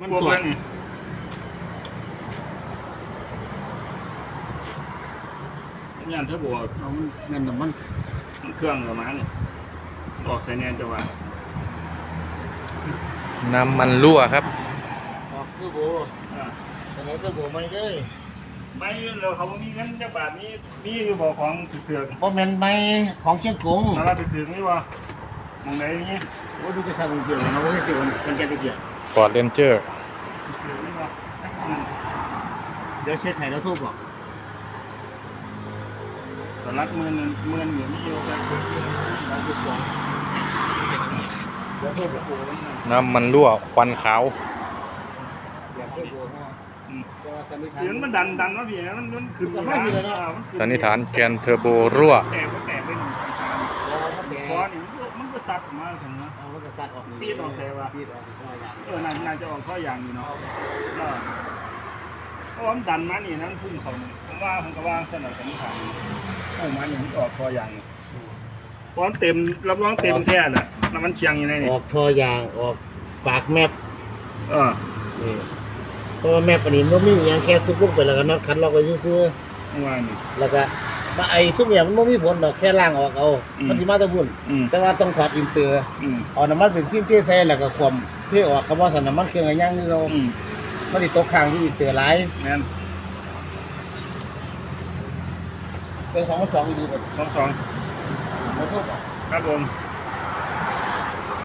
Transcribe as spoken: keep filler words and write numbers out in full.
มันสดงานเทอร์โบเราเงินน้ำมันเครื่องประมาณนี้ออกใส่แนนจะว่าน้ำมันรั่วครับออกคือโบเสนอคือโบมาเลยไม่เราเขามีเงินจักบาทนี้มีอยู่บ่ของเถื่อนเพราะมันไม่ของเชียงกงอะไรไปถึงนี่วะมองไหนนี้โอ้ดูจะสั่งเกี่ยวนะว่าจะเสียมันจะไปเกี่ยว Ford Ranger เดี๋ยวเช็คไข่แล้วทุบบอกตอนรักเมื่อนเมื่อนอยู่นี่อยู่แต่เราไปสองเดี๋ยวทุบโอ้น้ำมันรั่วควันขาวเดี๋ยวมันดันดันว่าพี่มันมันขึ้นไม่มีเลยนะสันนิษฐานแกนเทอร์โบรั่วแตกก็แตกไปหนึ่งคอนี่มันก็ซัดออกมาถึงนะมันก็ซัดออกปีดออกใช่ป่ะปีดออกข้อยางเออน่าจะออกข้อยางอยู่เนาะก็เพราะว่ามันดันมานี่นั่นพุ่งเขาเนี่ยผมว่าผมก็ว่าสนับสนุนทางโอ้มันอย่างนี้ออกข้อยางเพราะเต็มรับรองเต็มแท้น่ะน้ำมันเชียงอยู่ในนี่ออกข้อยางออกปากแมปเออนี่เพราะว่าแม่ปนิมมันไม่มีอย่างแค่ซุปลงไปแล้วก็น็อตคันล็อกไว้ซื่อๆว่านี่แล้วก็มาไอ้ซุปเนี่ยมันไม่มีผลดอกแค่ล่างออกเอามันสิมาตะบุญแต่ว่าต้องถอดอินเตอร์เอาน้ำมันเป็นซิมเทใส่แล้วก็ความเทออกคำว่าสันน้ำมันเครื่องย่างนี่เรามันติดตกค้างอยู่อินเตอร์หลายแม่นเครื่องสองพันสองดีหมดสองสองขอโทษครับผม